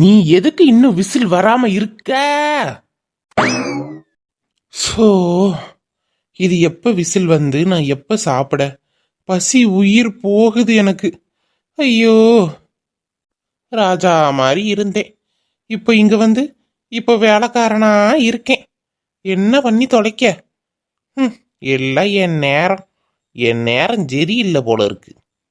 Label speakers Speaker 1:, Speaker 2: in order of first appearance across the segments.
Speaker 1: நீ எதுக்கு இன்னும் விசில் வராம இருக்க? சோ இது எப்ப விசில் வந்து நான் எப்ப சாப்பிட? பசி உயிர் போகுது எனக்கு. ஐயோ, ராஜா மாதிரி இருந்தேன், இப்ப இங்க வந்து இப்ப வேலைக்காரனா இருக்கேன். என்ன பண்ணி தொலைக்க? எல்லாம் என் நேரம் சரியில்லை போல இருக்கு.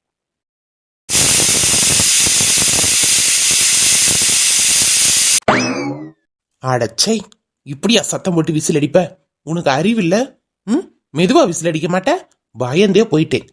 Speaker 1: அடச்சை, இப்படியா சத்தம் போட்டு விசில் அடிப்ப? உனக்கு அறிவில்ல? மெதுவா விசில் அடிக்க மாட்ட? பயந்தே போயிட்டேன்.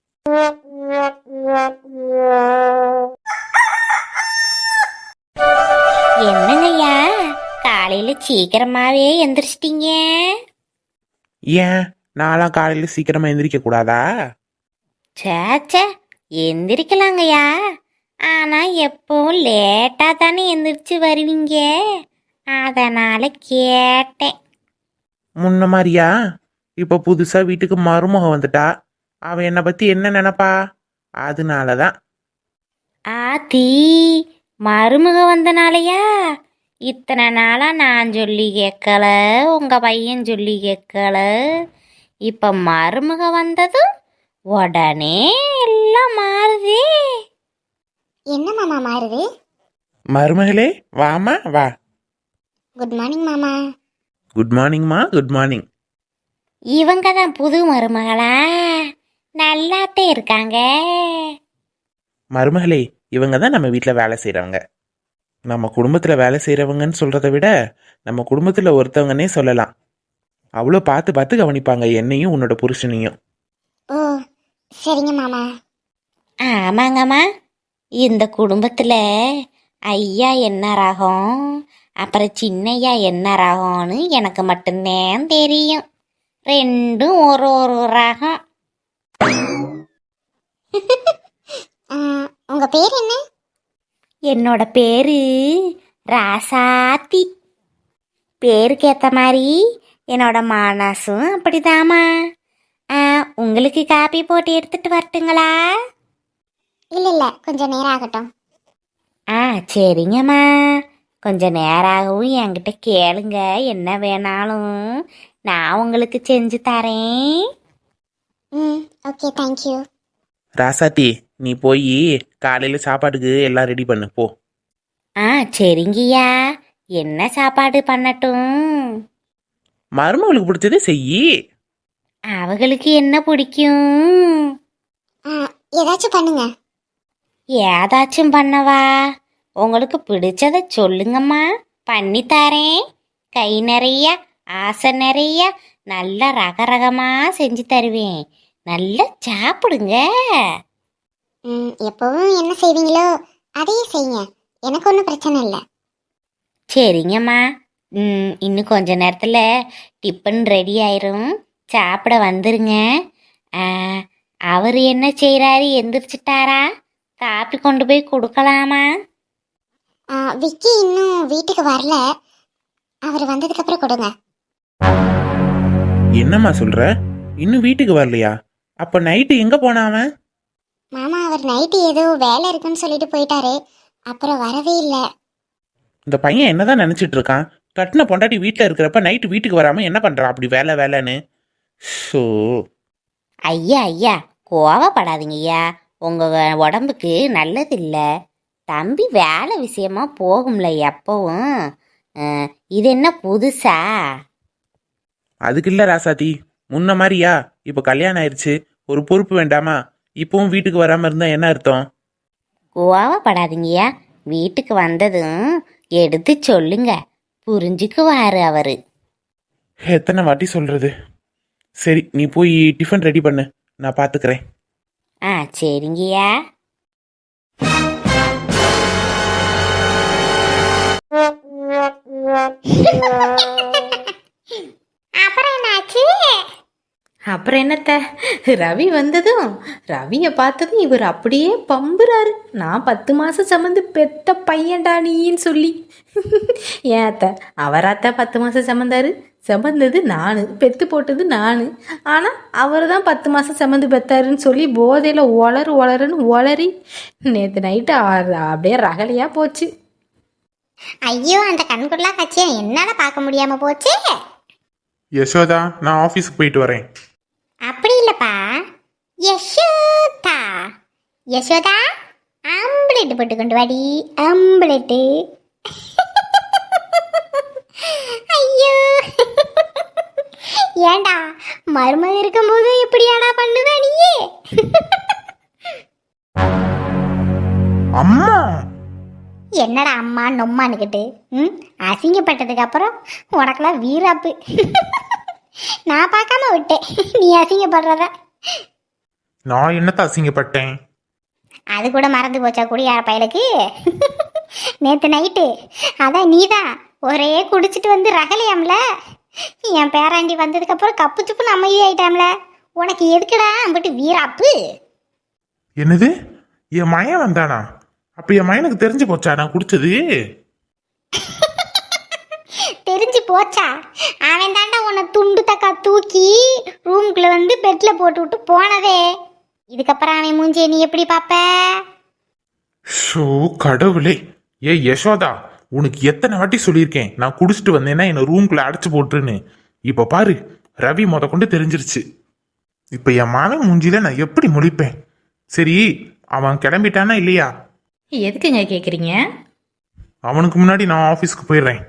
Speaker 2: என்னங்கய்யா, காலையில சீக்கிரமாவே எந்திரிச்சிட்டீங்க?
Speaker 1: ஏன், நான்லாம் காலையில சீக்கிரமா எந்திரிக்க கூடாதா?
Speaker 2: சேச்சே, எந்திரிக்கலாங்கய்யா. ஆனா எப்பவும் லேட்டா தானே எந்திரிச்சு வருவீங்க, அதனால கேட்டேன்.
Speaker 1: முன்ன மாதிரியா? இப்ப புதுசா வீட்டுக்கு மருமக வந்துட்டா, அவ என்னை பத்தி என்ன நினைப்பா? அதனாலதான்.
Speaker 2: ஆத்தி, மருமக வந்தனாலயா? இத்தனை நாளா நான் சொல்லி கேட்கல, உங்க பையன் சொல்லி கேட்கல. இப்ப மருமக வந்ததும் உடனே எல்லாம் மாறுதே.
Speaker 3: என்ன மாமா மாறுது?
Speaker 1: மருமகளே, வாமா வா.
Speaker 3: குட் மார்னிங் மாமா.
Speaker 1: குட் மார்னிங்மா, குட் மார்னிங்.
Speaker 2: இவங்க தான் புது மருமகளா? நல்லாத்தே இருக்காங்க.
Speaker 1: மருமகளே, இவங்க தான் நம்ம வீட்டில் வேலை செய்கிறவங்க. நம்ம குடும்பத்தில் வேலை செய்கிறவங்கன்னு சொல்கிறத விட நம்ம குடும்பத்தில் ஒருத்தவங்கன்னே சொல்லலாம். அவ்வளோ பார்த்து பார்த்து கவனிப்பாங்க என்னையும் உன்னோட புருஷனையும்.
Speaker 3: ஓ சரிங்க மாமா.
Speaker 2: ஆமாங்கம்மா, இந்த குடும்பத்தில் ஐயா என்ன ராகம், அப்புறம் சின்னையா என்ன ராகம்னு எனக்கு மட்டும்தான் தெரியும். ரெண்டும் ஒரு ஒரு ராகம்.
Speaker 3: உங்க பேர் என்ன?
Speaker 2: என்னோட பேரு ராசாத்தி. பேருக்கு ஏற்ற மாதிரி என்னோட மனசும் அப்படிதாம்மா. உங்களுக்கு காப்பி போட்டு எடுத்துட்டு வரட்டுங்களா?
Speaker 3: இல்ல கொஞ்சம் நேரம் ஆகட்டும்.
Speaker 2: சரிங்கம்மா, கொஞ்சம் நேராகவும் என்கிட்ட கேளுங்க, என்ன வேணாலும் நான் உங்களுக்கு செஞ்சு தரேன்.
Speaker 3: Okay, thank you.
Speaker 1: ராசாத்தி, நீ போய் காலையில் சாப்பாட்டுக்கு எல்லாம் ரெடி பண்ணு போ.
Speaker 2: சரிங்கய்யா, என்ன சாப்பாடு பண்ணட்டும்?
Speaker 1: மருமகளுக்கு பிடிச்சதே செய்யி.
Speaker 2: அவங்களுக்கு என்ன பிடிக்கும்?
Speaker 3: ஏதாச்சும் பண்ணுங்க.
Speaker 2: ஏதாச்சும் பண்ணவா? உங்களுக்கு பிடிச்சத சொல்லுங்கம்மா, பண்ணி தரேன். கை நிறைய, ஆசை நிறைய, நல்ல ரகரகமா செஞ்சு தருவேன். நல்லா சாப்பிடுங்க.
Speaker 3: எப்பவும் என்ன செய்வீங்களோ அதையே செய்யுங்க, எனக்கு ஒன்றும் பிரச்சனை இல்லை.
Speaker 2: சரிங்கம்மா, இன்னும் கொஞ்ச நேரத்தில் டிஃபன் ரெடி ஆயிரும், சாப்பிட வந்துருங்க. அவர் என்ன செய்கிறாரு, எந்திரிச்சிட்டாரா? காப்பி கொண்டு போய் கொடுக்கலாமா?
Speaker 3: விக்கி இன்னும் வீட்டுக்கு வரல, அவர் வந்ததுக்கு அப்புறம் கொடுங்க.
Speaker 1: என்னம்மா சொல்ற? இன்னும் வீட்டுக்கு வரலையா? அப்ப நைட்டு எங்க போனாவன்?
Speaker 3: மாமா, அவர் நைட்டு ஏதோ வேலை இருக்குன்னு சொல்லிட்டு போயிட்டாரு, அப்புறம் வரவே இல்லை.
Speaker 1: இந்த பையன் என்னதான் நினைச்சிட்டு இருக்கான்? கட்டின பொண்டாட்டி வீட்டில் இருக்கிறப்ப நைட்டு வீட்டுக்கு வராம என்ன பண்றான் அப்படி வேலை வேலைன்னு? ஸோ
Speaker 2: ஐயா ஐயா, கோவப்படாதீங்க ஐயா, உங்கள் உடம்புக்கு நல்லது இல்லை. தம்பி வேலை விஷயமா போகும்ல எப்பவும். இது என்ன புதுசா?
Speaker 1: அதுக்கு இல்லை ராசாத்தி, முன்ன மாதிரியா? இப்போ கல்யாணம் ஆயிடுச்சு, ஒரு பொறுப்பு வேண்டாமா? இப்பவும் வீட்டுக்கு வராம இருந்தா என்ன அர்த்தம்?
Speaker 2: கோவப்படாதீங்கய்யா, வீட்டுக்கு வந்ததும் எடுத்து சொல்லுங்க, புரிஞ்சுக்குவாரு அவரு.
Speaker 1: எத்தனை வாட்டி சொல்றது? சரி, நீ போய் டிஃபன் ரெடி பண்ணு, நான் பாத்துக்கிறேன்.
Speaker 2: சரிங்கய்யா.
Speaker 3: அப்புறம் என்னாச்சு?
Speaker 4: அப்புறம் என்னத்த, ரவி வந்ததும் ரவியை பார்த்ததும் இவர் அப்படியே பம்புறாரு. நான் 10 மாதம் சம்மந்து பெத்த பையன்டா நீன்னு சொல்லி. ஏன் அத்தை, அவராத்த 10 மாதம் சம்மந்தாரு? சம்மந்தது நான், பெத்து போட்டது நான். ஆனால் அவர் தான் 10 மாதம் சம்மந்து பெத்தாருன்னு சொல்லி போதையில் ஒளருன்னு ஒளரி நேற்று நைட்டு அப்படியே ரகலையாக போச்சு.
Speaker 3: ஐயோ அந்த கண்குள்ளா காட்சியை என்னால பார்க்க முடியாம போச்சே.
Speaker 1: யசோதா, நான் ஆஃபீஸுக்கு போயிட்டு வரேன்.
Speaker 3: அப்படி இல்லப்பா, யசோதா. யசோதா, ஆம்புலெட் போட்டு கொண்டு வாடி, ஆம்புலெட்டு. ஐயோ, ஏண்டா மருமக இருக்கும்போது எப்படியாடா பண்ணுவ நீயே?
Speaker 1: அம்மா,
Speaker 3: என்னடா அம்மா நொம்மானுக்கிட்டு அசிங்கப்பட்டதுக்கு அப்புறம் உனக்கெல்லாம் வீராப்பு. நான் பார்க்காம விட்டேன் நீ அசிங்கப்படுறத.
Speaker 1: நான் என்னத்த அசிங்கப்பட்டேன்?
Speaker 3: அது கூட மறந்து போச்சா குடியார பயலுக்கு? நேற்று நைட்டு அதான் நீதான் ஒரே குடிச்சிட்டு வந்து ரகலையாம்ல. என் பேராண்டி வந்ததுக்கப்புறம் கப்பு சுப்புன்னு அமைதி ஆயிட்டாம்ல. உனக்கு எதுக்குடா அம்பிட்டு வீராப்பு?
Speaker 1: என்னது, என் மயன் வந்தானா? அப்ப என் மயனுக்கு தெரிஞ்சு போச்சா நான் குடிச்சது?
Speaker 3: தெரிஞ்சு போச்சா? அவன் தாண்டா உன்னை துண்டு தக்கா தூக்கி ரூம்குள்ள வந்து பெட்ல போட்டு விட்டு போனதே. இதுக்கப்புறம் அவன் மூஞ்சியை நீ எப்படி பாப்ப?
Speaker 1: ஷோ கடவுளே! ஏ யசோதா, உனக்கு எத்தனை வாட்டி சொல்லியிருக்கேன் நான் குடிச்சிட்டு வந்தேன்னா என்ன ரூம்குள்ள அடைச்சு போட்டுருன்னு. இப்ப பாரு, ரவி கொண்டு தெரிஞ்சிருச்சு. இப்ப என் மகன் மூஞ்சில நான் எப்படி முழிப்பேன்? சரி, அவன் கிளம்பிட்டானா இல்லையா?
Speaker 4: எதுக்குங்க கேட்குறீங்க?
Speaker 1: அவனுக்கு முன்னாடி நான் ஆஃபீஸ்க்கு போயிடுறேன்.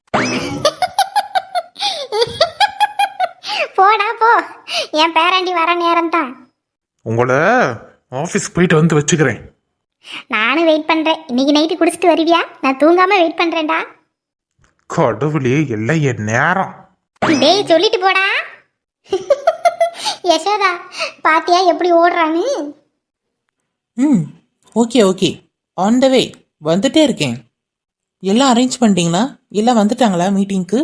Speaker 3: போடா போ, என் பேராண்டி வர நேரம் தான்.
Speaker 1: உங்களை ஆஃபீஸ்க்கு போயிட்டு வந்து வச்சுக்கிறேன்.
Speaker 3: நானும் வெயிட் பண்றேன். இன்னைக்கு நைட்டு குடிச்சிட்டு வருவியா? நான் தூங்காம வெயிட் பண்றேன்டா.
Speaker 1: கடவுளே, எல்லாம் என் நேரம்.
Speaker 3: டேய் சொல்லிட்டு போடா. யசோதா பாத்தியா எப்படி ஓடுறான்னு?
Speaker 5: ம், okay okay, on the way, வந்துட்டே இருக்கேன். எல்லாம் அரேஞ்ச் பண்ணிட்டீங்களா? எல்லாம் வந்துட்டாங்களா மீட்டிங்க்கு?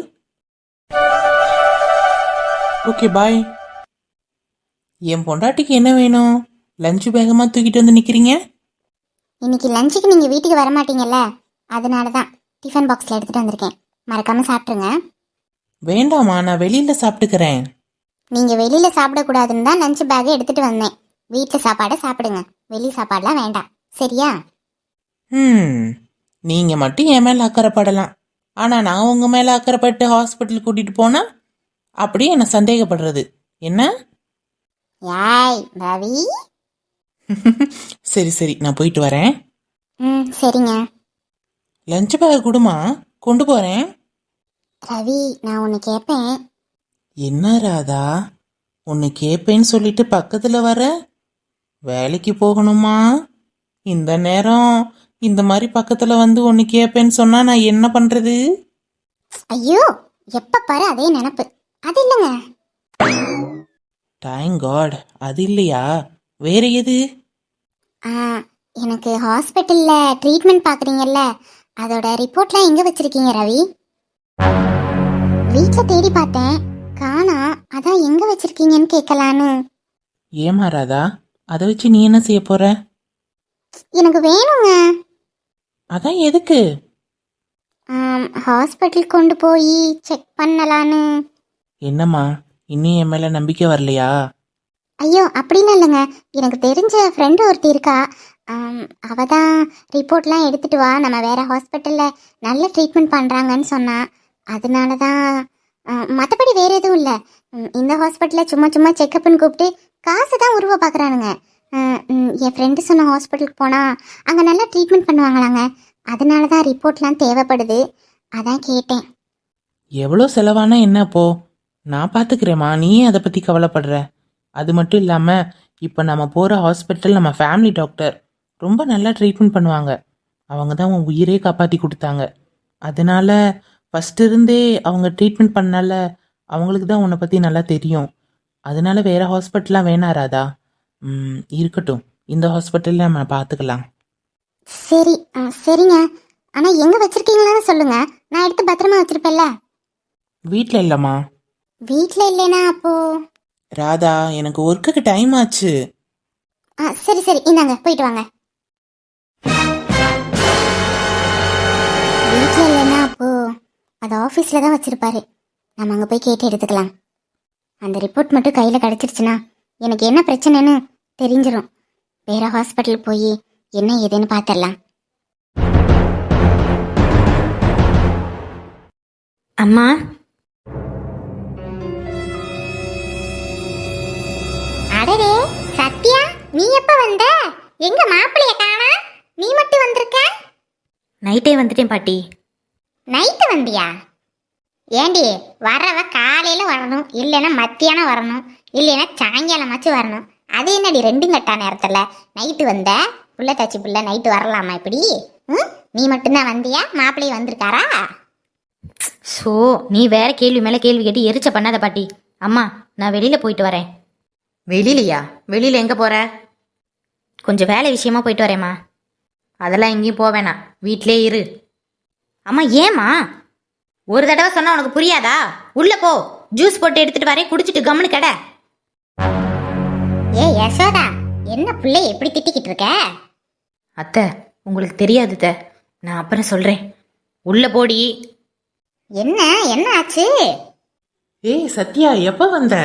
Speaker 5: Okay bye. என் பொண்டாட்டிக்கு என்ன வேணும்? லஞ்சு பேகமாக தூக்கிட்டு வந்து நிற்கிறீங்க?
Speaker 3: இன்னைக்கு லஞ்சுக்கு நீங்க வீட்டுக்கு வர மாட்டீங்கல்ல, அதனால தான் டிஃபன் பாக்ஸ்ல எடுத்துட்டு வந்திருக்கேன். மறக்காம சாப்பிட்ருங்க.
Speaker 5: வேண்டாமா, நான் வெளியில் சாப்பிட்டுக்கிறேன்.
Speaker 3: நீங்க வெளியில சாப்பிடக்கூடாதுன்னு தான் லஞ்ச் பேக் எடுத்துட்டு வந்தேன். வீட்டில் சாப்பாடை சாப்பிடுங்க, வெளி சாப்பாடுலாம் வேண்டாம், சரியா?
Speaker 5: நீங்கள் மட்டும் என் மேலே அக்கறைப்படலாம், ஆனால் நான் உங்கள் மேலே அக்கறைப்பட்டு ஹாஸ்பிட்டல் கூட்டிகிட்டு போனால் அப்படியே என்னை சந்தேகப்படுறது என்ன?
Speaker 3: யாய் ரவி.
Speaker 5: சரி சரி, நான் போயிட்டு வரேன்.
Speaker 3: சரிங்க.
Speaker 5: லஞ்ச் பேக் கொடுமா, கொண்டு போகிறேன்.
Speaker 3: ரவி, நான் ஒன்று கேட்பேன்.
Speaker 5: என்ன ராதா, ஒன்று கேட்பேன்னு சொல்லிட்டு பக்கத்தில் வர? வேலைக்கு போகணுமா? இந்த நேரம் இந்த மாதிரி பக்கத்தில் வந்து ஒன்று கேட்பேன்னு சொன்னால் நான் என்ன பண்ணுறது?
Speaker 3: ஐயோ, எப்போ பாரு அதே நினப்பு. அது இல்லைங்க.
Speaker 5: தேங்க் காட், அது இல்லையா? வேற எது?
Speaker 3: எனக்கு ஹாஸ்பிட்டலில் ட்ரீட்மெண்ட் பார்க்குறீங்கல்ல, அதோட ரிப்போர்ட்லாம் எங்கே வச்சுருக்கீங்க ரவி? வீட்டில் தேடி பார்த்தேன், காணா. அதான் எங்கே வச்சுருக்கீங்கன்னு கேட்கலான்னு.
Speaker 5: ஏமா ராதா, அதை வச்சு நீ என்ன செய்ய போற?
Speaker 3: எனக்கு வேணுங்க.
Speaker 5: அதான் எதுக்கு?
Speaker 3: ஹாஸ்பிட்டல் கொண்டு போய் செக் பண்ணலான்னு.
Speaker 5: என்னம்மா, இன்னும் என் மேலே நம்பிக்கை வரலையா?
Speaker 3: ஐயோ அப்படிலாம் இல்லைங்க, எனக்கு தெரிஞ்ச ஃப்ரெண்டு ஒருத்தி இருக்கா. அவ தான் ரிப்போர்ட்லாம் எடுத்துட்டு வா, நம்ம வேற ஹாஸ்பிட்டலில் நல்ல ட்ரீட்மெண்ட் பண்ணுறாங்கன்னு சொன்னா. அதனால தான், மற்றபடி வேற எதுவும் இல்லை. இந்த ஹாஸ்பிட்டலில் சும்மா சும்மா செக்கப்னு கூப்பிட்டு காசு தான் உருவ பார்க்குறானுங்க. என் ஃப்ரெண்டு சொன்ன ஹாஸ்பிட்டலுக்கு போனால் அங்கே நல்லா ட்ரீட்மெண்ட் பண்ணுவாங்களாங்க. அதனால தான் ரிப்போர்ட்லாம் தேவைப்படுது, அதான் கேட்டேன்.
Speaker 5: எவ்வளோ செலவானா என்ன அப்போ? நான் பார்த்துக்கிறேம்மா, நீ அதை பற்றி கவலைப்படுற? அது மட்டும் இல்லாமல் இப்போ நம்ம போகிற ஹாஸ்பிட்டல் நம்ம ஃபேமிலி டாக்டர் ரொம்ப நல்லா ட்ரீட்மெண்ட் பண்ணுவாங்க. அவங்க தான் உன் உயிரே காப்பாற்றி கொடுத்தாங்க. அதனால ஃபஸ்ட்டு இருந்தே அவங்க ட்ரீட்மெண்ட் பண்ணால அவங்களுக்கு தான் உன்னை பற்றி நல்லா தெரியும். அதனால வேறு ஹாஸ்பிட்டலாம் வேணாராதா? இருக்கட்டும், இந்த ஹாஸ்பிட்டலில் நம்ம பார்த்துக்கலாம்.
Speaker 3: சரி, சரிங்க. ஆனால் எங்கே வச்சுருக்கீங்களான்னு சொல்லுங்கள், நான் எடுத்து பத்திரமா வச்சுருப்பேன்ல.
Speaker 5: வீட்டில் இல்லைம்மா.
Speaker 3: வீட்டில் இல்லைனா அப்போ?
Speaker 5: ராதா, எனக்கு ஒர்க்குக்கு டைம் ஆச்சு.
Speaker 3: சரி சரி, இந்தாங்க போயிட்டு வாங்க. வீட்டில் இல்லைன்னா அப்போ அது ஆஃபீஸில் தான் வச்சுருப்பாரு. நம்ம அங்கே போய் கேட்டு எடுத்துக்கலாம். அந்த ரிப்போர்ட் மட்டும் கையில் கிடச்சிருச்சுன்னா எனக்கு என்ன பிரச்சனைன்னு தெரிஞ்சிடும். வேறு ஹாஸ்பிட்டல் போய் என்ன ஏதுன்னு பார்த்துடலாம்.
Speaker 4: அம்மா.
Speaker 3: அடடே சத்யா, நீ எப்ப வந்த? எங்க மாப்பிளைய காணா? நீ மட்டும் வந்திருக்க?
Speaker 2: நைட்டே வந்துட்டேன் பாட்டி.
Speaker 3: நைட்டு வந்தியா? ஏண்டி, வரவ காலையில வரணும், இல்லைன்னா மத்தியானம் வரணும், இல்லைன்னா சாயங்காலமாச்சும் வரணும். அது என்னடி ரெண்டும் கட்டா நேரத்துல நைட்டு வந்த? புள்ள தச்சு புள்ள நைட்டு வரலாமா இப்படி? நீ மட்டும்தான் வந்தியா? மாப்பிள்ளை வந்திருக்காரா?
Speaker 2: ஸோ நீ வேற கேள்வி மேலே கேள்வி கேட்டு எரிச்ச பண்ணாத பாட்டி. அம்மா, நான் வெளியில் போயிட்டு வரேன்.
Speaker 4: வெளியிலையா? வெளியில் எங்கே போகிற?
Speaker 2: கொஞ்சம் வேலை விஷயமா போயிட்டு வரேம்மா.
Speaker 4: அதெல்லாம் எங்கேயும் போக வேணாம், வீட்டிலே இரு.
Speaker 2: அம்மா ஏம்மா?
Speaker 4: ஒரு தடவை சொன்னா உனக்கு புரியாதா? உள்ள போ, ஜூஸ் போட்டு எடுத்துட்டு வரேன், குடிச்சிட்டு கம்முன்னு கடை.
Speaker 3: ஏ யசோதா, என்ன பிள்ளை எப்படி திட்டிக்கிட்டு இருக்க?
Speaker 4: அத்தை, உங்களுக்கு தெரியாது அத்தை, நான் அப்புறம் சொல்கிறேன். உள்ள போடி.
Speaker 3: என்ன என்ன ஆச்சு?
Speaker 5: ஏய் சத்யா, எப்ப வந்த?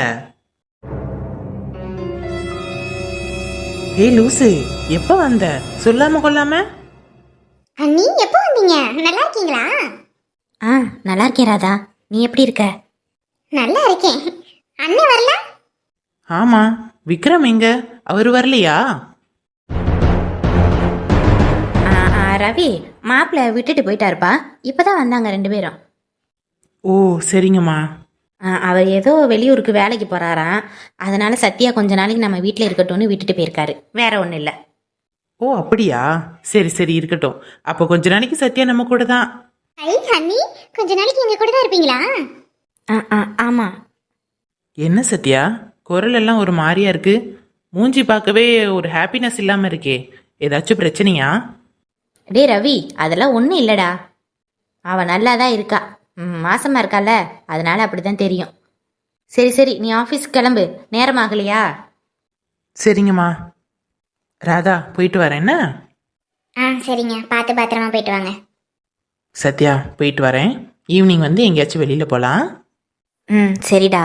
Speaker 5: ஏய் லூசு, எப்ப வந்த? சொல்லாம கொள்ளாம.
Speaker 3: நீ எப்போ வந்தீங்க? நல்லா இருக்கீங்களா?
Speaker 2: ஆ, நல்லா இருக்கேன் ராதா. நீ எப்படி இருக்க?
Speaker 3: நல்லா இருக்கேன். அண்ணன் வரல?
Speaker 5: ஆமா, விக்ரம் எங்க? அவர் வரலையா?
Speaker 2: ரவி மாப்பிள்ளை விட்டுட்டு போயிட்டாருப்பா. இப்போதான் வந்தாங்க 2 பேரும்.
Speaker 5: ஓ சரிங்கம்மா.
Speaker 2: அவர் ஏதோ வெளியூருக்கு வேலைக்கு போகிறாராம். அதனால சத்யா கொஞ்ச நாளைக்கு நம்ம வீட்டில் இருக்கட்டும்னு விட்டுட்டு போயிருக்காரு. வேற ஒன்றும் இல்லை.
Speaker 5: ஓ அப்படியா? சரி சரி இருக்கட்டும். அப்போ கொஞ்ச நாளைக்கு சத்யா நம்ம கூட தான்.
Speaker 3: ஐ ஹன்னி, கொஞ்ச நாளைக்கு எங்க கூட தான் இருப்பீங்களா?
Speaker 2: ஆமாம்.
Speaker 5: என்ன சத்யா, குரல் எல்லாம் ஒரு மாதிரியா இருக்கு. மூஞ்சி பார்க்கவே ஒரு ஹாப்பினஸ் இல்லாம இருக்கே. ஏதாச்சும் பிரச்சனையா?
Speaker 2: டே ரவி, அதெல்லாம் ஒன்றும் இல்லைடா. அவள் நல்லா தான் இருக்கா. மாசமா இருக்கால, அதனால அப்படி தான் தெரியும். சரி சரி, நீ ஆஃபீஸ்க்கு கிளம்பு, நேரம் ஆகலையா?
Speaker 5: சரிங்கம்மா. ராதா போயிட்டு வரேன் என்ன?
Speaker 3: சரிங்க, பார்த்து பத்திரமா போயிட்டு வாங்க.
Speaker 5: சத்யா போயிட்டு வரேன். ஈவினிங் வந்து எங்கேயாச்சும் வெளியில போகலாம்.
Speaker 2: சரிடா.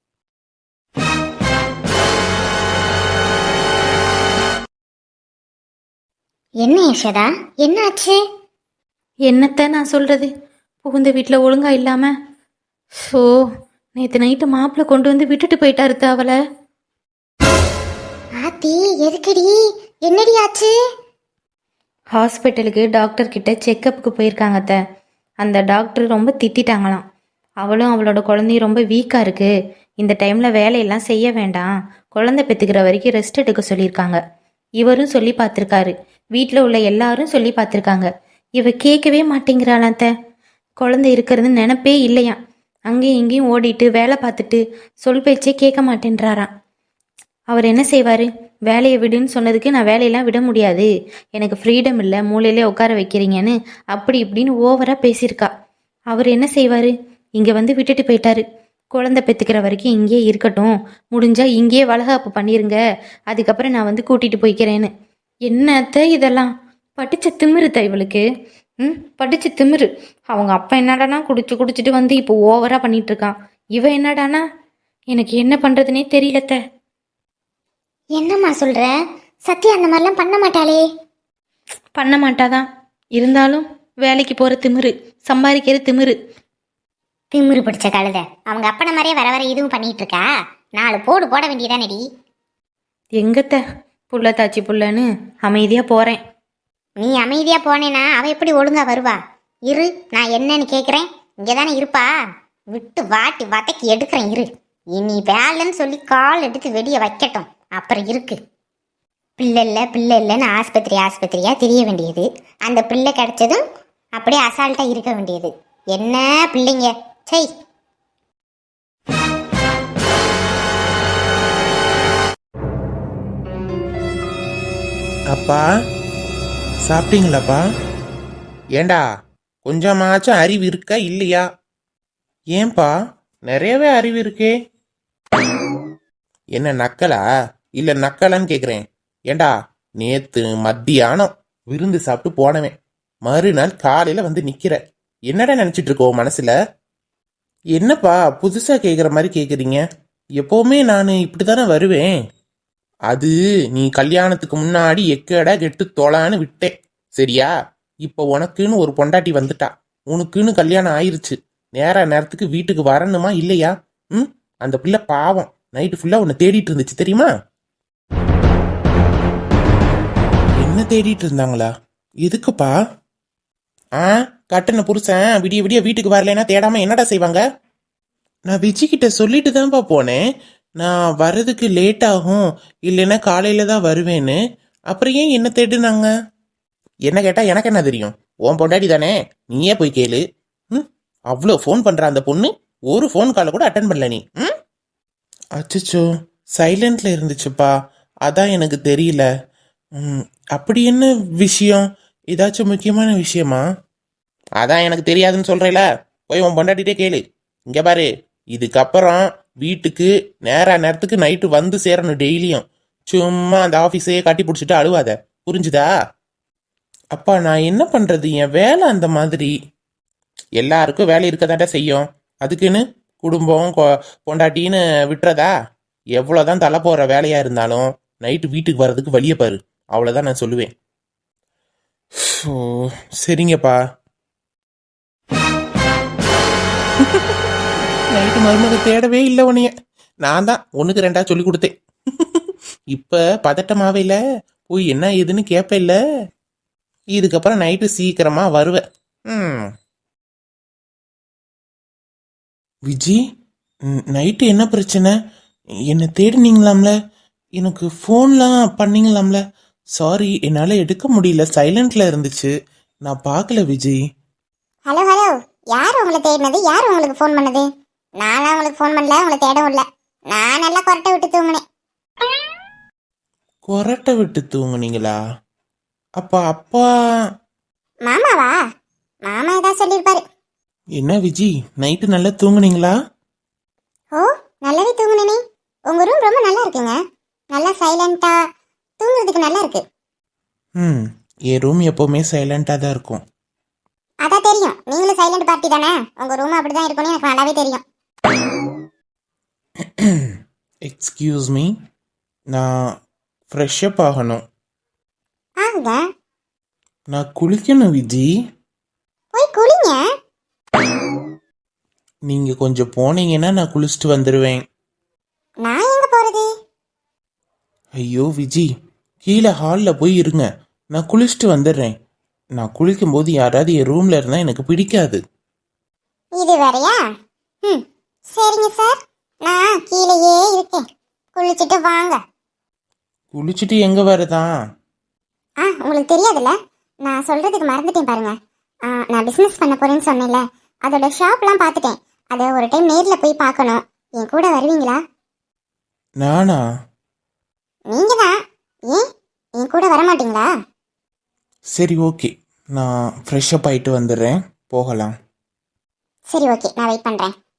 Speaker 3: என்ன யசோதா, என்ன ஆச்சு?
Speaker 4: என்னத்த நான் சொல்கிறது, புகுந்த வீட்டில் ஒழுங்கா இல்லாமல். ஸோ நேற்று நைட்டு மாப்பிள்ளை கொண்டு வந்து விட்டுட்டு போயிட்டாரு அவளை.
Speaker 3: ஆத்தி, எதுக்குடி? என்னடி ஆச்சு?
Speaker 4: ஹாஸ்பிட்டலுக்கு டாக்டர் கிட்ட செக்கப்புக்கு போயிருக்காங்க அத்தை. அந்த டாக்டர் ரொம்ப திட்டாங்களாம். அவளும் அவளோட குழந்தையும் ரொம்ப வீக்காக இருக்குது, இந்த டைமில் வேலையெல்லாம் செய்ய வேண்டாம், குழந்தை பெற்றுக்கிற வரைக்கும் ரெஸ்ட் எடுக்க சொல்லியிருக்காங்க. இவரும் சொல்லி பார்த்துருக்காரு, வீட்டில் உள்ள எல்லாரும் சொல்லி பார்த்துருக்காங்க. இவ கேட்கவே மாட்டேங்கிறாளாம் அத்தை. குழந்தை இருக்கிறது நினப்பே இல்லையாம். அங்கேயும் இங்கேயும் ஓடிட்டு வேலை பார்த்துட்டு சொல் பேச்சே கேட்க மாட்டேன்றாராம். அவர் என்ன செய்வார்? வேலையை விடுன்னு சொன்னதுக்கு நான் வேலையெல்லாம் விட முடியாது, எனக்கு ஃப்ரீடம் இல்லை, மூலையிலே உட்கார வைக்கிறீங்கன்னு அப்படி இப்படின்னு ஓவராக பேசியிருக்கா. அவர் என்ன செய்வார்? இங்கே வந்து விட்டுட்டு போயிட்டாரு. குழந்தை பெற்றுக்கிற வரைக்கும் இங்கேயே இருக்கட்டும், முடிஞ்சால் இங்கேயே வளகாப்பு பண்ணிருங்க, அதுக்கப்புறம் நான் வந்து கூட்டிகிட்டு போய்க்கிறேன்னு. என்னத்த இதெல்லாம்? படித்த திமிருத்த இவளுக்கு. படித்த திமிரு. அவங்க அப்பா என்னடானா குடிச்சிட்டு வந்து இப்போ ஓவராக பண்ணிட்டு இருக்கான். இவ என்னடானா எனக்கு என்ன பண்ணுறதுனே தெரியலத்த.
Speaker 3: என்னம்மா சொல்ற? சத்யா அந்த மாதிரிலாம் பண்ண மாட்டாளே.
Speaker 4: பண்ண மாட்டாதான், இருந்தாலும் வேலைக்கு போகிற திமிரு, சம்பாதிக்கிற திமிரு.
Speaker 3: திமிரு பிடிச்ச கழுத. அவங்க அப்பன மாதிரியே வர வர இதுவும் பண்ணிட்டு இருக்கா. 4 போடு போட வேண்டியதானடி.
Speaker 4: எங்கத்த புள்ள தாச்சி புள்ளன்னு அமைதியாக போகிறேன்.
Speaker 3: நீ அமைதியா போனேனா அவ எப்படி ஒழுங்கா வருவா? இரு, நான் என்னன்னு கேக்குறேன். இங்கதானே இருப்பா. விட்டு வாட்டி வதக்கி எடுக்கிறேன், இரு. இனி வேலைன்னு சொல்லி கால் எடுத்து வெடிய வைக்கட்டும், அப்புறம் இருக்கு. பிள்ளை இல்லைன்னு ஆஸ்பத்திரியா தெரிய வேண்டியது. அந்த பிள்ளை கிடைச்சதும் அப்படியே அசால்ட்டா இருக்க வேண்டியது. என்ன பிள்ளைங்க சை.
Speaker 1: அப்பா சாப்பிட்டீங்களாப்பா? ஏண்டா கொஞ்சமாச்சும் அறிவு இருக்கா இல்லையா? ஏன்பா நிறையவே அறிவு இருக்கே. என்ன நக்கலா இல்ல நக்கலான்னு கேக்குறேன். ஏண்டா நேத்து மத்தியானம் விருந்து சாப்பிட்டு போனவன் மறுநாள் காலையில வந்து நிக்கிற. என்னடா நினைச்சிட்டு இருக்கோம் மனசுல? என்னப்பா புதுசா கேக்குற மாதிரி கேக்குறீங்க? எப்பவுமே நான் இப்படித்தானே வருவேன். அது நீ கல்யாணத்துக்கு முன்னாடி எக்கடா கெட்டு தொலான்னு விட்டேன், சரியா? இப்ப உனக்குன்னு ஒரு பொண்டாட்டி வந்துட்டா, உனக்குன்னு கல்யாணம் ஆயிருச்சு.
Speaker 5: நேரத்துக்கு வீட்டுக்கு வரணுமா இல்லையா? ம், அந்த பிள்ளை பாவம் நைட்டு ஃபுல்லா உன்னை தேடிட்டு இருந்துச்சு தெரியுமா? என்ன தேடிட்டு இருந்தாங்களா? எதுக்குப்பா? ஆ, கட்டின புருஷன் விடிய விடிய வீட்டுக்கு வரலைன்னா தேடாம என்னடா செய்வாங்க? நான் விஜய்கிட்ட சொல்லிட்டு தான்ப்பா போனேன், நான் வர்றதுக்கு லேட் ஆகும், இல்லைன்னா காலையில தான் வருவேன்னு. அப்புறம் ஏன் என்ன தேடுனாங்க? என்ன கேட்டா எனக்கு என்ன தெரியும்? உன் பொண்டாடி தானே, நீயே போய் கேளு. ம், அவ்வளோ ஃபோன் பண்ற அந்த பொண்ணு ஒரு ஃபோன் காலை கூட அட்டன் பண்ணல நீ. ம், அச்சச்சோ, சைலண்ட்ல இருந்துச்சுப்பா, அதான் எனக்கு தெரியல. ம், அப்படி என்ன விஷயம்? ஏதாச்சும் முக்கியமான விஷயமா? அதான் எனக்கு தெரியாதுன்னு சொல்றேல, போய் உன் பொண்டாட்டிட்டே கேளு. இங்க பாரு, இதுக்கப்புறம் வீட்டுக்கு நேரத்துக்கு நைட்டு வந்து சேரணும் டெய்லியும். சும்மா அந்த ஆஃபீஸையே கட்டி பிடிச்சிட்டு அழுவாத, புரிஞ்சுதா? அப்பா நான் என்ன பண்றது, என் வேலை அந்த மாதிரி. எல்லாருக்கும் வேலை இருக்கதாட்டா செய்யும், அதுக்குன்னு குடும்பம் பொண்டாட்டின்னு விட்டுறதா? எவ்வளோதான் தலை போற வேலையா இருந்தாலும் நைட்டு வீட்டுக்கு வர்றதுக்கு வழியை பாரு, அவ்வளோதான் நான் சொல்லுவேன். ஓ, சரிங்கப்பா. நைட்டு மருமக தேடவே இல்லை உன்னைய, நான் தான் ஒண்ணுக்கு ரெண்டா சொல்லி கொடுத்தேன். இப்ப பதட்டமாவே இல்ல, போய் என்ன ஏதுன்னு கேப்ப இல்ல. இதுக்கப்புறம் நைட்டு சீக்கிரமா வருவேன். ம். விஜி, நைட்டு என்ன பிரச்சனை? என்ன தேடினீங்களாம்ல? எனக்கு ஃபோன்லாம் பண்ணீங்களாம்ல? சாரி, என்னால எடுக்க முடியல, சைலண்ட்ல இருந்துச்சு, நான் பார்க்கல விஜி.
Speaker 3: ஹலோ ஹலோ, யார் உங்களை தேடினது? யார் உங்களுக்கு ஃபோன் பண்ணது? நான்லாம் உங்களுக்கு ஃபோன் பண்ணல, உங்களை தேடவும் இல்லை. நான் நல்லா கொரட்டை விட்டு தூங்கினேன்.
Speaker 5: கொரட்டை விட்டு தூங்குனீங்களா? அப்பா
Speaker 3: மாமாவா? மாமா ஏதாவது சொல்லியிருப்பாரு.
Speaker 5: என்ன விஜி, நைட்டு நல்லா தூங்குனீங்களா?
Speaker 3: ஓ, நல்லாவே தூங்குனேனே. உங்க ரூம் ரொம்ப நல்லா இருக்குங்க, நல்லா சைலண்டா, தூங்குறதுக்கு நல்லா இருக்கு.
Speaker 5: ம், என் ரூம் எப்பவுமே சைலண்டா தான் இருக்கும்.
Speaker 3: அதான் தெரியும், நீங்களும் சைலண்ட் பார்ட்டி தானே, உங்க ரூம் அப்படிதான் இருக்கும்னு எனக்கு நல்லாவே தெரியும்.
Speaker 5: எக்ஸ்கியூஸ் மீ, நான் ஃப்ரெஷ்அப் ஆகணும்.
Speaker 3: ஆகுங்க,
Speaker 5: நான் குளிக்கணும் விஜி.
Speaker 3: போய் குளிங்க.
Speaker 5: நீங்க கொஞ்சம் போனீங்கன்னா நான் குளிச்சுட்டு வந்துடுவேன்.
Speaker 3: நான் எங்க போறது?
Speaker 5: ஐயோ விஜி, கீழே ஹாலில் போய் இருங்க, நான் குளிச்சுட்டு வந்துடுறேன். நான் குளிக்கும்போது யாராவது என் ரூம்ல இருந்தா எனக்கு பிடிக்காது.
Speaker 3: இது வேறையா? ம், சரிங்க சார், நான் கீழேயே இருக்கேன், குளிச்சுட்டு வாங்க.
Speaker 5: குளிச்சுட்டு எங்க வரதான்?
Speaker 3: உங்களுக்கு தெரியாதுல்ல, நான் சொல்றதுக்கு மறந்துட்டேன் பாருங்க. நான் பிஸ்னஸ் பண்ண போறேன்னு சொன்னேன்ல, அதோட ஷாப்லாம் பார்த்துட்டேன். அதை ஒரு டைம் நேரில் போய் பார்க்கணும். என் கூட வருவீங்களா?
Speaker 5: நானா?
Speaker 3: நீங்க தான். ஏன் என் கூட வர மாட்டீங்களா?
Speaker 5: சரி ஓகே, நான் ஃப்ரெஷ்அப் ஆயிட்டு வந்துடுறேன், போகலாம்.
Speaker 3: சரி ஓகே, நான் வெயிட் பண்றேன்.